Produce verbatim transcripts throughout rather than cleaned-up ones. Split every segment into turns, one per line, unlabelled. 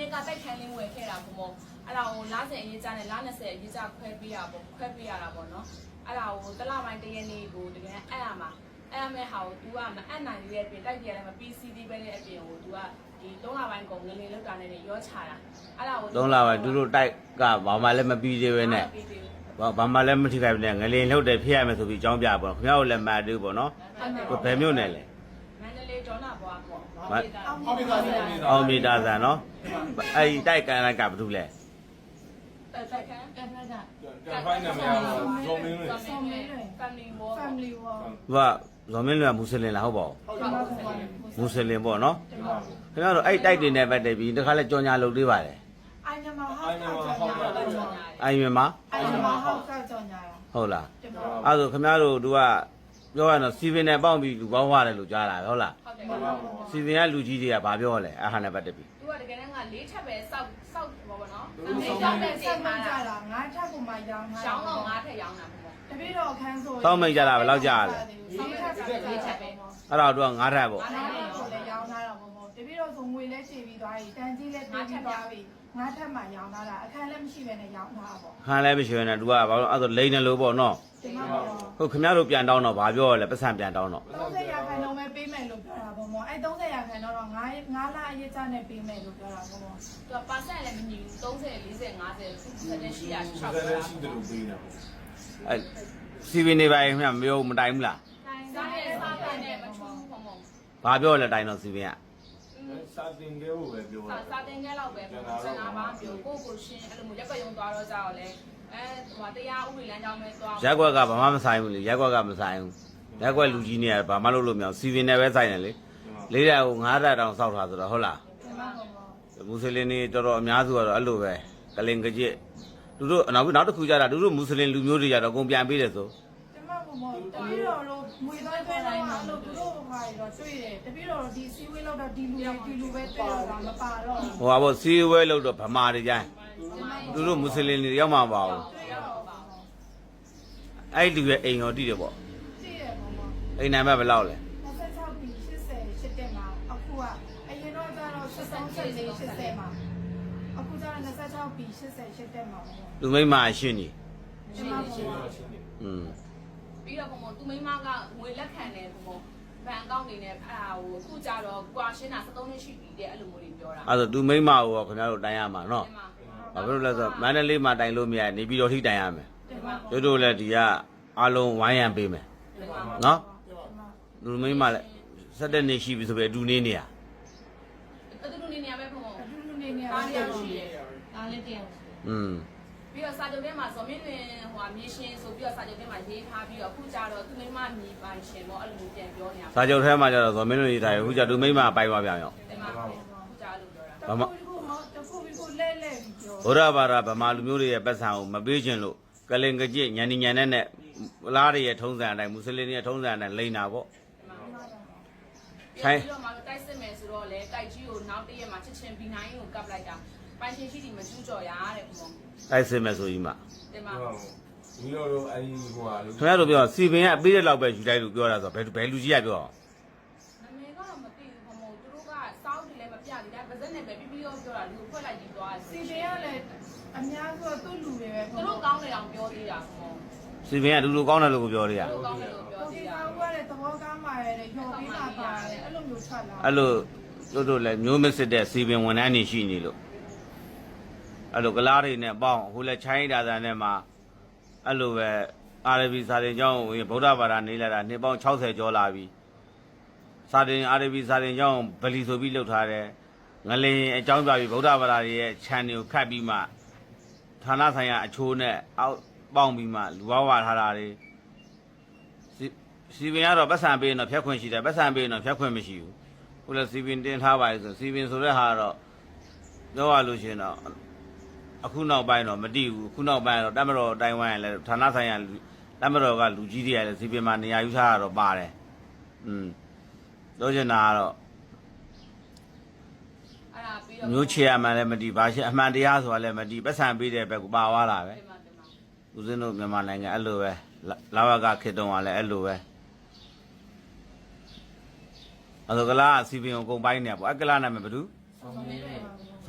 ကတိုက်ခိုင်းလင်းဝယ်ခဲ့တာပေါ့မို့အဲ့ဒါကိုလားစင်အရေးကြနဲ့လားနှစ်ဆယ်အရေးကြခွဲပေးရပေါ့ခွဲပေးရတာပေါ့နော်အဲ့ဒါကိုတလပိုင်းတရက်နေ့ကိုတကယ်အဲ့ရမှာအဲ့ရမဲ့ဟာကို तू ကမအပ်နိုင်ရဲ့အပြင်တိုက်ကြရလည်းမ ပီ စီ ဒီ ပဲတဲ့အပြင်ကို तू ကဒီသုံးလပိုင်းကုန်ငလင်လောက်တာနဲ့ရောချတာအဲ့ဒါကို
သုံးလပိုင်းသူတို့တိုက်ကဘာမှလည်းမပြီးသေးပဲနဲ့ဘာမှလည်းမထိခိုက်ဘူးနဲ့ငလင်လှုပ်တယ်ဖြစ်ရမယ်ဆိုပြီးအကြောင်းပြပေါ့ခင်ဗျားတို့လည်းမှတ်သေးပေါ့နော်ဘယ်မျိုးနဲ့လဲ
မန္တလေးဒေါနာဘွားပေါ့
အောင်မီတာဆန်နော်အဲ့ဒီတိုက်ကန်လိုက်ကဘာလို့လဲ
တိုက်ခိုင်းကန်ဖိုက်က
ကန်ဖိုက်နာမည်ကဇော်မင်းလွင်
family war
family war
သူကဇော်မင်းလွင်ကမွတ်စလင်လားဟုတ်ပါဘူးမွတ်စလင်ပေါ့နော်ခင်ဗျားတို့အဲ့တိုက်တွေနဲ့ပတ်သက်ပြီးတခါလဲကြော်ညာလုပ်သေးပါတယ်
အိုင်နမဟောက်ကြော်ညာ
အိုင်မြန်မာ
အိုင်နမဟောက်ကြော်ညာ
ဟုတ်လားအဲ့ဒါခင်ဗျားတို့သူကပြောရတော့စီဗင်နဲ့ပေါင်းပြီးလူပေါင်းသွားတယ်လို့ကြားလာဟုတ်လား
ဟုတ်တယ်
စီဗင်ကလူကြီးတွေကဘာပြောလဲအဟာနဲ့ပတ်သက်ပြီး
သူကတကယ်တမ်းကလေးထပ်ပဲစောက်စောက်ပေါ့ဗောနော်
လေးထပ်ပဲစောက်မှကြတာငါးထပ်ကိုမှရောင်းတာ
ရောင်းတော့ငါးထက်ရောင်းတာပေါ့
တပည့်တော်အခန်းဆို
စောက်မိတ်ကြတာဘယ်လောက်ကြာလဲ
စောက်ထပ်ပဲလေးထပ်ပဲ
အဲ့တော့သူကငါးထပ်ပေါ့
ငါးထပ်ကိုလည်းရောင်းထားတာပေါ့တပည့်တော်ဆိုငွေလည်းချေပြီးသွားပြီတန်ကြီးလည်းပြေးပြီးသွားပြီငါးထပ်မှရောင်းထားတာအခန်းလည်းမရှိပဲနဲ့ရောင်းထားတာပေါ့
ခန်းလည်းမရှိပဲနဲ့သူကဘာလို့အဲ့ဒါလိန်တယ်လို့ပေါ့နော်ဟုတ်ခင်ဗျားတို့ပြန်တောင်းတော့ဘာပြောလဲပတ်စံပြန်တောင်းတော့
သုံးဆယ်ရာခိုင်နှုန်းပဲပေးမယ်လို့ပြောတာပေါ့မောအဲ့သုံးဆယ်ရာခိုင်နှုန်းတော့ငါးငါးလအရေးချနဲ့ပေးမယ်လို့ပြောတာပေါ့မော
သူကပါဆန်လည်းမညီဘူးသုံးဆယ်လေးဆယ်ငါးဆယ်ဆက်လက်ရှိရ
၆ဆယ်ရှိတယ်လို့ပေးတာ
အဲ့စီဗီနေပါခင်ဗျာမပြောမတိုင်ဘူးလား
စားရဲစားတယ်နဲ့မထူးဘူးပေါ့မော
ဘာပြောလဲတိုင်တော့စီဗင်က
စာတင်ခဲ့ဖို့ပဲပြော
တာစာတင်ခဲ့တော့ပဲပေါ့စနာပါပြောကိုကိုရှင်အဲ့လိုမျိုးရက်ွက်ရုံသွားတော့ကြတော့လေအဲဟိုတရားဥပဒေလမ်းကြောင်းပဲသွား
ရက်ွက်ကဘာမှမဆိုင်ဘူးလေရက်ွက်ကမဆိုင်ဘူးရက်ွက်လူကြီးနေရဘာမှလုပ်လို့မရအောင်စီဗင်နဲ့ပဲဆိုင်တယ်လေလေးတဲ့ဟိုငါးတက်တောင်စောက်ထားဆိုတော့ဟုတ်လားမွတ်စလင်တွေတော်တော်အများစုကတော့အဲ့လိုပဲကလင်ကကြစ်သူတို့နောက်နောက်တစ်ခုကြတာသူတို့မွတ်စလင်လူမျိုးတွေကြတော့အကုန်ပြန်ပေးတယ်ဆို
ကျမကမောတပည့်တော်တို့ငွေသားသွင်းတိုင်းမှာလို့သူတို့ဟာတော့တွေ့တယ်တပည့်တော်ဒီစီဝေးလောက်တော့ဒီလူဒီလူပဲတွေ့တော့တာမပါတော့
ဟိုပါဘောစီဝဲလို့တော့ဗမာတွေကြိုင်းသူတို့မွတ်စလင်တွေရောက်မှာပါဘူးအဲ့ဒီလူရဲ့အိမ်တော်တည်တယ်ပေါ့
တည်တယ်ပေါ့
အိမ်နံပါတ်ဘယ်လောက်လဲ
နှစ်ဆယ်၆ပြီးရှစ်ဆယ်ရှစ်တက်မှာအခုကအရင်တော့ကျတော့ရှစ်ဆယ်ရှစ်လေးရှစ်ဆယ်မှာအခုကျတော့နှစ်ဆယ်၆ပြီးရှစ်ဆယ်ရှစ်တက်မှာပေါ့
လူမိမအရှင်းကြီး
ကျမပေါ့
อืม
ပြီးတော့ပေါ့သူမိမကငွေလက်ခံတယ်ပေါ့ဘဏ်အကောင့်တွေနဲ့အဲ့ဒါကိုအခုကြတော့ကွာရှင်းတာ၁၃နှစ်ရှိပြီတဲ့အဲ့လိုမျိုးတွေပြောတာ
အဲ့ဒါသူမိမကိုခင်ဗျားတို့တိုင်ရမှာနော်ဘာဖြစ်လို့လဲဆိုတော့မန္တလေးမှာတိုင်လို့မရနေပြီးတော့ထိတိုင်ရမယ်တို့တို့လည်းဒီကအားလုံးဝိုင်းရံပေးမယ်နော်လူမိမလည်းဆက်တဲ့နေရှိပြီဆိုပြီးအတူနေနေရ
အတူနေနေရပဲပေါ့
အတူတူနေနေရ
အားရရှိတယ်အားလည်းတရား
อืม
ပြီးတော့စာချုပ်ထဲမှာဇော်မင်းလွင်ဟိုမြေရှင်ဆိုပြီးတော့စာချုပ်ထဲမှာရေးထားပြီးတော့အခုကြတော့သူမိမမြေပိုင်ရှင်ပေါ့အဲ့လိုပြန်ပြောနေတာ
စာချုပ်ထဲမှာကျတော့ဇော်မင်းလွင်ရေးထားတယ်အခုကျသူမိမပိုင်သွားပြန်ရော
တင်ပါအခုကြလို့ပြောတာ
ဘာမှတခုခုလဲလဲပြော
ဘုရားဘာသာဗမာလူမျိုးတွေရဲ့ပတ်စံကိုမပေးခြင်းလို့ကလင်ကကြစ်ညန်ညန်နဲ့နဲ့လားတွေရဲ့ထုံးစံအတိုင်းမွတ်စလင်တွေရဲ့ထုံးစံအတိုင်းလိန်တာပေါ့
ဆိုင်ပြီးတော့မှတိုက်စစ်မယ်ဆိုတော့လေတိုက်ကြီးကိုနောက်တည့်ရက်မှာချက်ချင်းဘီနိုင်းကိုကပ်လိုက်တာပိုင်ရှင်ရှိတီမကျူးကြော်ရတဲ့ပုံ
တိုက်စစ်မယ်ဆိုကြီးမှ
တင်ပါ
ဒီလိုတော့အဲ့ဒီဟိုဟာလို့
ခင်ဗျားတို့ပြောစီပင်ကအပေးတဲ့လောက်ပဲယူလိုက်လို့ပြောတာဆိုဘယ်ဘယ်လူကြီးကပြော
အောင်နာမည်ကတော့မသိဘူးဘုံဘုံသူတို့ကစောင်းတယ်လည်းမပြသေးတာဗဇက်နဲ့ပဲပြီးပြီးတော့ပြောတာလူကိုဖွက်လိုက်ပြီးသွား
စီပင်ကလည်းအများစုသူ့လူတွေပဲ
သူတို့ကောင်းတယ်အောင်ပြောသေးတာဘုံ
စီပင်ကလူလူကောင်းတယ်လို့ပြောသေးတာ
လူကောင်းတယ်လို့ပြောသေးတာ
ဟိုကလည်းသဘောကောင်းပါရဲ့ညှော်ပြီးလာပါတယ်အဲ့လိုမျိုးထွက်လာ
အဲ့လိုတို့တို့လည်းမျိုးမစစ်တဲ့စီပင်ဝန်ထမ်းတွေရှိနေလို့အဲ့လိုကလားတွေနဲ့ပေါင်းဟိုလည်းချိုင်းဒါသာနဲ့မှာအဲ့လိုပဲအာရဗီစာတင်ကျောင်းဝင်ဗုဒ္ဓဘာသာနေလာတာနှစ်ပေါင်း၆၀ကျော်လာပြီစာတင်အာရဗီစာတင်ကျောင်းဗလီဆိုပြီးလှုပ်ထားတယ်ငလင်အကြောင်းပြပြီးဗုဒ္ဓဘာသာရဲ့ခြံတွေကိုခတ်ပြီးမှဌာနဆိုင်ရာအချိုးနဲ့အောက်ပေါင်းပြီးမှလူဝဝထားတာတွေစီပင်ကတော့ပတ်စံပေးရင်တော့ဖြတ်ခွင့်ရှိတယ်ပတ်စံပေးရင်တော့ဖြတ်ခွင့်မရှိဘူးဟိုလည်းစီပင်တင်ထားပါလေဆိုစီပင်ဆိုတဲ့ဟာတော့ပြောရလို့ရှိရင်တော့အခုနောက်ပိုင်းတော့မတည်ဘူးအခုနောက်ပိုင်းတော့တမတော်တိုင်ဝမ်ရလဲဌာနဆိုင်ရာတမတော်ကလူကြီးတွေရလဲစီပင်မှာနေရာယူထားတာတော့ပါတယ်อืมပြောချင်တာကတော့
အဲ့ဒါပြီးတော့
မျိုးချေရမှန်လည်းမတည်ဘာရှိအမှန်တရားဆိုတာလည်းမတည်ပတ်စံပေးတဲ့ဘက်ကပါသွားတာပဲဦးဇင်းတို့မြန်မာနိုင်ငံအဲ့လိုပဲလာဝကခေတ္တကလည်းအဲ့လိုပဲအဲ့ဒါကလားစီပင်ကိုကုန်ပိုင်းနေပေါ့အကလားနာမည်ဘယ်သူဇ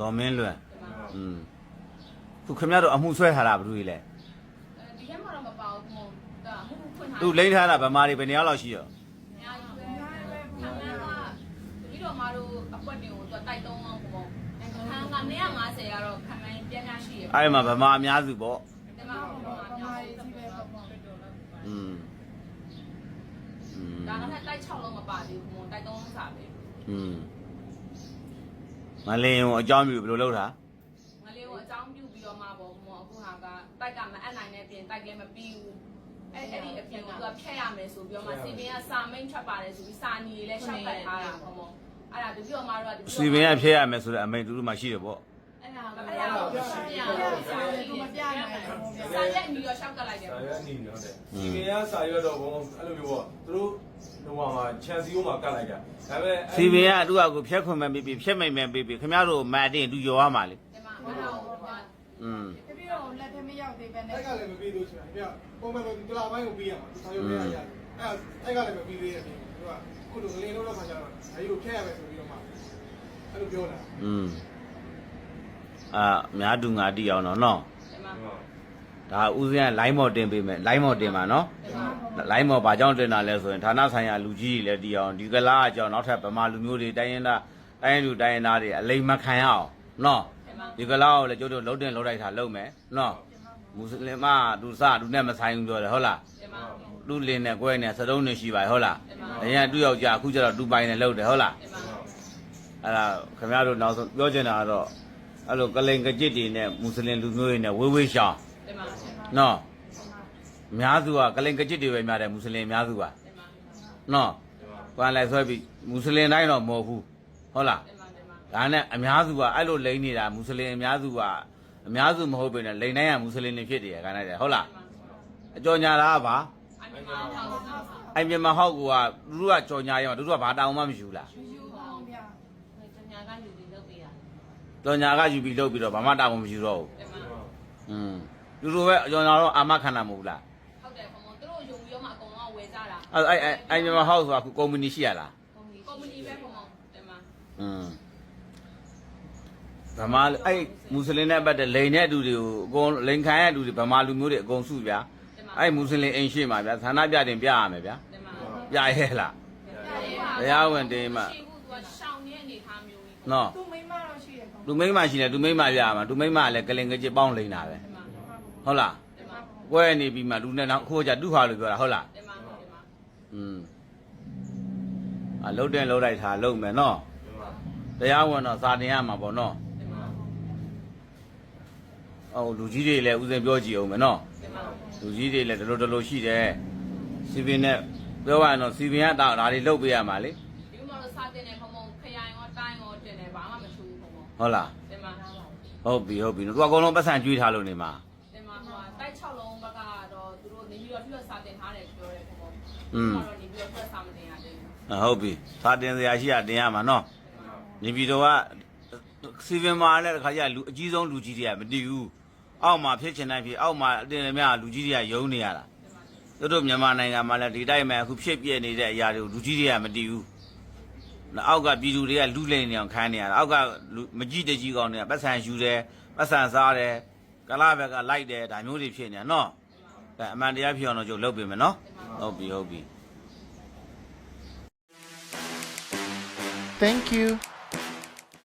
ဇော်မင်းလွန်อืมခုခင်ဗျားတို့အမှုဆွဲထားတာဘယ်လိုလဲ
ဒီထဲမှာတော့မပါဘူးဘုံဒါမှုဖွင့်ထား
သူလိမ့်ထားတာဗမာတွေဘယ်နှစ်ယောက်လောက်ရှိရော
အများကြီးပဲခန်းကပြီးတော့မတို့အပွက်တွေကိုသူတိုက်သုံးအောင်ဘုံခန်းက၂၅၀ကတော့ခံမှန်းပြန်ရရှိရ
အဲ့ဒီမှာဗမာအများစုပေါ့
ဒီမှာဘုံကအများကြီးပဲဘုံ
อืมอืม
ဒါကလည်းတိုက်၆လုံးမပါသေးဘူးဘုံတိုက်သုံးလုံးစာပဲ
อืมမလင်းကိုအကြောင်းပြုဘယ်လိုလုပ်တာ
ငလေးကိုအကြောင်းပြုပြီးတော့မှပေါ့ဘုံအခုဟာကတိုက်ကမအပ်နိုင်တဲ့ပြင်တိုက်လည်းမပြီးဘူးအဲ့အဲ့ဒီအပြင်ကသူကဖျက်ရမယ်ဆိုပြီးတော့မှစီပင်ကစာမိန်ထွက်ပါတယ်ဆိုပြီးစာနီလေးလည်းရှောက်ပတ်ထားတာဘုံအဲ့ဒါတပြည့်တော့မှတော့
စီပင်ကဖျက်ရမယ်ဆိုတဲ့အမိန်တူတူမှရှိတယ်ပေါ့
အဲ့ဒါအဲ့ဒါကိုရှင်းပြရအောင်စာရေးမပြနိုင်ဘူးစာရေးအနီရောရှောက်ကလိုက်တယ်
စာရွက်အနေနဲ့ဟုတ်တယ်စီကင်ရစာရွက်တော့ဘုံအဲ့လိုမျိုးပေါ့သူတို့ဟိုမှာချန်စီယိုမှာကတ်လိုက်တာဒါပေမဲ့
စီပင်ကသူ့အကူဖျက်ခွင့်မဲ့ပြီးပြီးဖျက်မိန်မဲ့ပြီးပြီးခင်ဗျားတို့မအတင်းသူရောရမှာလေ
ဒီမှာအဲ့ဒါကို
อืม
တပည့်တော်လက်ထမရောက်သေးပဲနဲ့
အဲ့ကလည်းမပြီးလို့ဆိုတာပြပုံမှန်ပဲဒီလာပိုင်းကိုပြီးရမှာသူဆောင်ရွက်ရရတယ်အဲ့အဲ့ကလည်းမပြီးသေးတဲ့ပြင်သူကခုလိုငလင်းလို့တော့ခါကြတော့အဲဒီကိုဖျက်ရမယ်ဆိုပြီးတော့မှအဲ့လိုပြောတာ
อืมအာများတူငါတီအောင်တော့နော်
ဒီမှာ
ဒါဦးစင်းက line မော်တင်ပေးမယ် line မော်တင်ပါနော် line မော်ဘာကြောင့်တင်တာလဲဆိုရင်ဌာနဆိုင်ရာလူကြီးတွေလည်းတီအောင်ဒီကလားအကြောင်းနောက်ထပ်ဗမာလူမျိုးတွေတိုင်းရင်သားတိုင်းရင်လူတိုင်းရင်သားတွေအလိမ်မခံရအောင်နော်ဒီကလားကိုလည်းကျိုးတို့လှုပ်တင်လှုပ်လိုက်တာလှုပ်မယ်နော်မွတ်စလင်မသူစသူနဲ့မဆိုင်ဘူးပြောတယ်ဟုတ်လား
ဒီမှာ
သူလင်းနဲ့ကွဲနဲ့စတုံးနဲ့ရှိပါဟုတ်လားအရင်သူ့ယောက်ျားအခုကျတော့သူပိုင်နဲ့လှုပ်တယ်ဟုတ်လား
ဒီမှာ
အဲ့ဒါခင်ဗျားတို့နောက်ဆုံးပြောချင်တာကတော့အဲ့လိုကလိန်ကကြစ်တွေနဲ့မွတ်စလင်လူမျိုးတွေနဲ့ဝေးဝေးရှောင်း
ဒီမှာ
နော်အများစုကကလိန်ကကြစ်တွေပဲများတယ်မွတ်စလင်အများစုက
ဒီမှာ
နော်ကွာလိုက်ဆွဲပြီးမွတ်စလင်တိုင်းတော့မဟုတ်ဘူးဟုတ်လား
ဒီမှာဒီမှာ
ဒါနဲ့အများစုကအဲ့လိုလိန်နေတာမွတ်စလင်အများစုကအများစုမဟုတ်ပဲနဲ့လိန်တိုင်းကမွတ်စလင်တွေဖြစ်တယ်ခါနဲ့ဟုတ်လားအကြော်ညာလားပါ
အမြင်မှာဟောင်းတာ
အဲ့မြန်မာဟောက်ကသူတို့ကကြော်ညာရအောင်သူတို့ကဘာတောင်းမှမရှိဘူးလား
ယူပါအောင်ဗျာ
ကျညာကယူပြီးလုပ်ပေးရ
ကြော်ညာကယူပြီးလုပ်ပြီးတော့ဘာမှတောင်းမှမရှိတော့ဘူး
ဒီမှာ
อืมသူတို့ပဲကြော်ညာတော့အာမခံတာမဟုတ်လား
ဟုတ်တယ်ဘုံသူတို့ယုံပြီးတော့မှအကုန်လုံးဝယ်ကြတာ
အဲ့အဲ့အဲ့အဲ့မြန်မာဟောက်ဆိုတာကုမ္ပဏီရှိရလား
ကုမ္ပဏီပဲဘုံဒီမှာ
อืมဗမာအဲ့မွတ်စလင်နဲ့ပတ်တဲ့လိန်တဲ့လူတွေကိုအကုန်လိန်ခံရတဲ့လူတွေဗမာလူမျိုးတွေအကုန်စုဗျာအဲ့မွတ်စလင်အိမ်ရှိမှာဗျာဌာနပြတင်ပြရမယ်ဗျာ
ဒီမှာ
ပြရဲလားတရားဝင်တင်မှ
ရှိဘူးသူကရှောင်းနေတဲ့အနေထားမျိုးကြီး
နော်
သူမိမတော့ရှိတယ်ကော
လူမိန်းမရှိလဲလူမိန်းမပြရမှာလူမိန်းမလည်းကလင်ကကြစ်ပေါင်းလိန်တာပဲ
ဒီမှာ
ဟုတ်လား
ဒီမှာ
ကွဲနေပြီးမှလူနဲ့နောက်ခိုးကြတူဟာလို့ပြောတာဟုတ်လား
ဒီမှာဒီမှာ
อืมအလုံးတင်လုံးလိုက်တာလုံးမယ်နော်တရားဝင်တော့စာတင်ရမှာပေါ့နော်
ဒီမှာ
အော်လူကြီးတွေလည်းဥစဉ်ပြောကြည့်အောင်မယ်နော်
ဒီမှာ
လူကြီးတွေလည်းဒလိုဒလိုရှိတယ်စီပင်နဲ့ပြောရရင်တော့စီပင်ကဒါဒါတွေလုတ်ပေးရမှာလေ
ဒီမှာတော့စာတင်နေဘုံဘုံခရိုင်ရောတိုင်းရောတင်နေဘာမှမထူးဘူးဘုံဘုံ
ဟုတ်လား
ဒီမှာ
ဟုတ်ပြီဟုတ်ပြီသူကအကုန်လုံးပတ်စံကျွေးထားလို့နေမှာ
ဒီမှာဟိုတိုက်၆လုံးဘက်ကတော့သူတို့နေပြီးတော့ပြည့်စာတင်ထားတယ်ပြောတယ်ဘုံဘုံ
อืม
တော့နေပြီးတော့ပြည့်စာမတင်ရသေးဘူး
ဟုတ်ပြီစာတင်စရာရှိတာတင်ရမှာနော်နေပြည်တော်ကစီပင်မှာလည်းတစ်ခါကျလူအကြီးဆုံးလူကြီးတွေကမတည်ဘူးအောက်မှာဖြစ်ချင်တိုင်းဖြစ်အောက်မှာအတင်အမြလူကြီးတွေကယုံနေရတာသူတို့မြန်မာနိုင်ငံမှာလည်းဒီတိုင်းမှာအခုဖြစ်ပြနေတဲ့အရာတွေကိုလူကြီးတွေကမတည်ဘူးနောက်အောက်ကပြည်သူတွေကလူလိမ့်နေအောင်ခံနေရတာအောက်ကမကြည့်တကြီးကောင်းနေတာပတ်စံယူတယ်ပတ်စံစားတယ်ကလာဘက်ကလိုက်တယ်ဒါမျိုးတွေဖြစ်နေတာနော်အဲအမှန်တရားဖြစ်အောင်တော့ကျုပ်လုပ်ပေးမယ်နော်ဟုတ်ပြီဟုတ်ပြီ
Thank you.